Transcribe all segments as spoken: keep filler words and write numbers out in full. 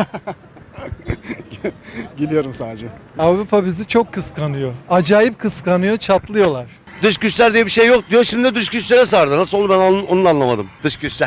Gülüyorum sadece. Avrupa bizi çok kıskanıyor. Acayip kıskanıyor, çatlıyorlar. Dış güçler diye bir şey yok diyor. Şimdi de dış güçlere sardı. Nasıl oldu ben onu, onu da anlamadım. Dış güçler.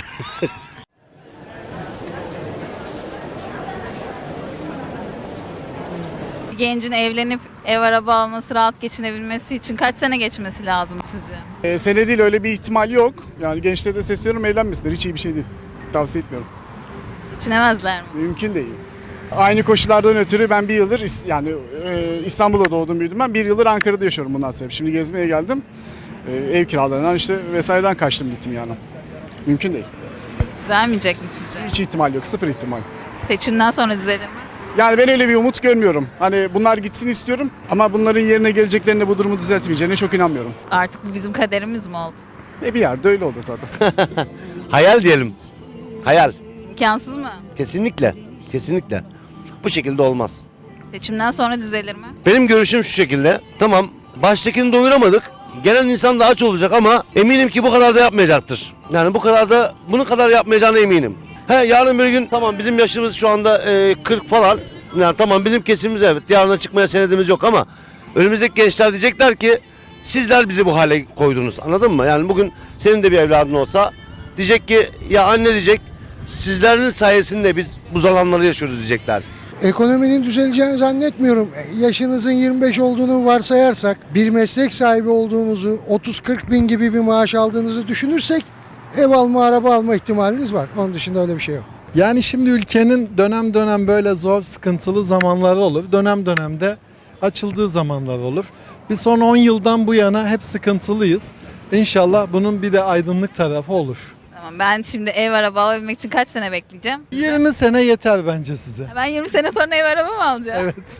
Bir gencin evlenip ev araba alması, rahat geçinebilmesi için kaç sene geçmesi lazım sizce? Ee, sene değil, öyle bir ihtimal yok. Yani gençlere de sesleniyorum, evlenmesinler. Hiç iyi bir şey değil. Tavsiye etmiyorum. Geçinemezler mi? Mümkün değil. Aynı koşullardan ötürü ben bir yıldır İs- yani e, İstanbul'da doğdum büyüdüm ben. Bir yıldır Ankara'da yaşıyorum bundan sebep. Şimdi gezmeye geldim. E, ev kiralarından işte vesaireden kaçtım gittim yani. Mümkün değil. Düzelmeyecek mi sizce? Hiç ihtimal yok. Sıfır ihtimal. Seçimden sonra düzelir mi? Yani ben öyle bir umut görmüyorum. Hani bunlar gitsin istiyorum ama bunların yerine geleceklerine bu durumu düzeltmeyeceğine çok inanmıyorum. Artık bu bizim kaderimiz mi oldu? E bir yerde öyle oldu tabii. Hayal diyelim. Hayal. İmkansız mı? Kesinlikle. Kesinlikle. Bu şekilde olmaz. Seçimden sonra düzelir mi? Benim görüşüm şu şekilde. Tamam, baştakini doyuramadık. Gelen insan da aç olacak ama eminim ki bu kadar da yapmayacaktır. Yani bu kadar da bunu kadar yapmayacağına eminim. He, yarın bir gün tamam bizim yaşımız şu anda e, kırk falan. Yani tamam bizim kesimimiz evet. Yarına çıkmaya senedimiz yok ama önümüzdeki gençler diyecekler ki sizler bizi bu hale koydunuz. Anladın mı? Yani bugün senin de bir evladın olsa diyecek ki ya anne diyecek sizlerin sayesinde biz bu zamanları yaşıyoruz diyecekler. Ekonominin düzeleceğini zannetmiyorum. Yaşınızın yirmi beş olduğunu varsayarsak, bir meslek sahibi olduğunuzu, otuz kırk bin gibi bir maaş aldığınızı düşünürsek ev alma, araba alma ihtimaliniz var. Onun dışında öyle bir şey yok. Yani şimdi ülkenin dönem dönem böyle zor, sıkıntılı zamanları olur. Dönem dönemde açıldığı zamanlar olur. Biz son on yıldan bu yana hep sıkıntılıyız. İnşallah bunun bir de aydınlık tarafı olur. Tamam, ben şimdi ev araba alabilmek için kaç sene bekleyeceğim? yirmi sene yeter bence size. Ben yirmi sene sonra ev araba mı alacağım? Evet.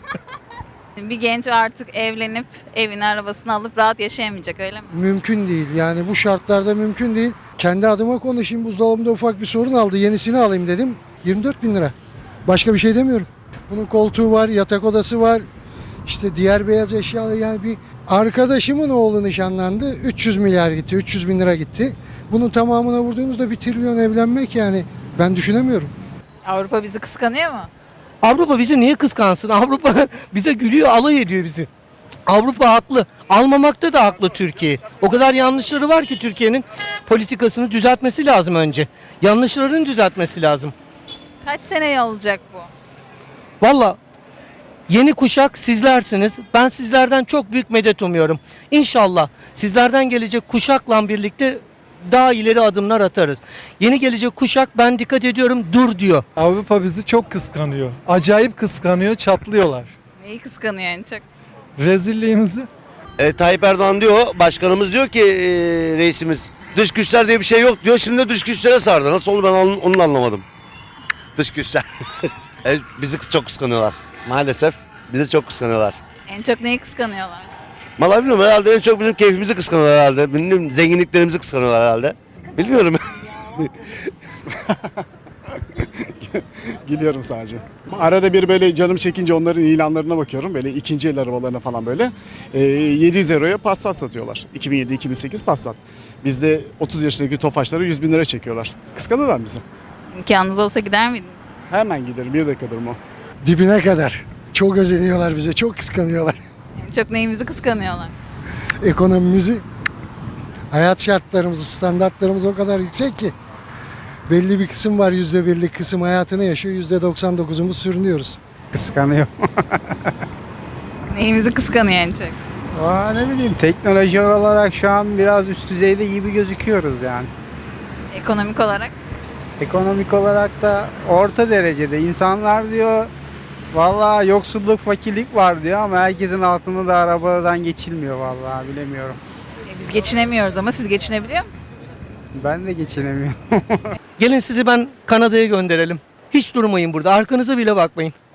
Bir genç artık evlenip evini arabasını alıp rahat yaşayamayacak, öyle mi? Mümkün değil. Yani bu şartlarda mümkün değil. Kendi adıma konuşayım. Buzdolabımda ufak bir sorun aldı. Yenisini alayım dedim. yirmi dört bin lira. Başka bir şey demiyorum. Bunun koltuğu var, yatak odası var. İşte diğer beyaz eşyalı, yani bir arkadaşımın oğlu nişanlandı. üç yüz milyar gitti, üç yüz bin lira gitti. Bunun tamamına vurduğumuzda bir trilyon evlenmek, yani ben düşünemiyorum. Avrupa bizi kıskanıyor mu? Avrupa bizi niye kıskansın? Avrupa bize gülüyor, alay ediyor bizi. Avrupa haklı. Almamakta da haklı Türkiye. O kadar yanlışları var ki Türkiye'nin politikasını düzeltmesi lazım önce. Yanlışlarını düzeltmesi lazım. Kaç seneye olacak bu? Valla yeni kuşak sizlersiniz. Ben sizlerden çok büyük medet umuyorum. İnşallah sizlerden gelecek kuşakla birlikte daha ileri adımlar atarız. Yeni gelecek kuşak ben dikkat ediyorum dur diyor. Avrupa bizi çok kıskanıyor. Acayip kıskanıyor, çatlıyorlar. Neyi kıskanıyor en çok? Rezilliğimizi. E, Tayyip Erdoğan diyor, başkanımız diyor ki e, reisimiz dış güçler diye bir şey yok diyor. Şimdi de dış güçlere sardı. Nasıl oldu ben onu, onu da anlamadım. Dış güçler. e, bizi çok kıskanıyorlar. Maalesef bizi çok kıskanıyorlar. En çok neyi kıskanıyorlar? Vallahi bilmiyorum, herhalde en çok bizim keyfimizi kıskanıyorlar herhalde. Bilmiyorum, zenginliklerimizi kıskanıyorlar herhalde. Bilmiyorum. Gülüyorum sadece. Arada bir böyle canım çekince onların ilanlarına bakıyorum. Böyle ikinci el arabalarına falan böyle. E, yedi yüz euroya Passat satıyorlar. iki bin yedi iki bin sekiz Passat. Bizde otuz yaşındaki Tofaşları yüz bin lira çekiyorlar. Kıskanıyorlar bizi. İmkanınız olsa gider miydiniz? Hemen giderim. Bir dakika durma. Dibine kadar. Çok özeniyorlar bize, çok kıskanıyorlar. En çok neyimizi kıskanıyorlar? Ekonomimizi, hayat şartlarımızı, standartlarımız o kadar yüksek ki belli bir kısım var, yüzde birlik kısım hayatını yaşıyor, yüzde doksan dokuzumuz sürünüyoruz. Kıskanıyor. Neyimizi kıskanıyor en çok? Aa, ne bileyim teknoloji olarak şu an biraz üst düzeyde gibi gözüküyoruz yani. Ekonomik olarak? Ekonomik olarak da orta derecede. İnsanlar diyor vallahi yoksulluk, fakirlik var diyor ama herkesin altında da arabadan geçilmiyor vallahi bilemiyorum. E, biz geçinemiyoruz ama siz geçinebiliyor musunuz? Ben de geçinemiyorum. Gelin sizi ben Kanada'ya gönderelim. Hiç durmayın burada. Arkanıza bile bakmayın.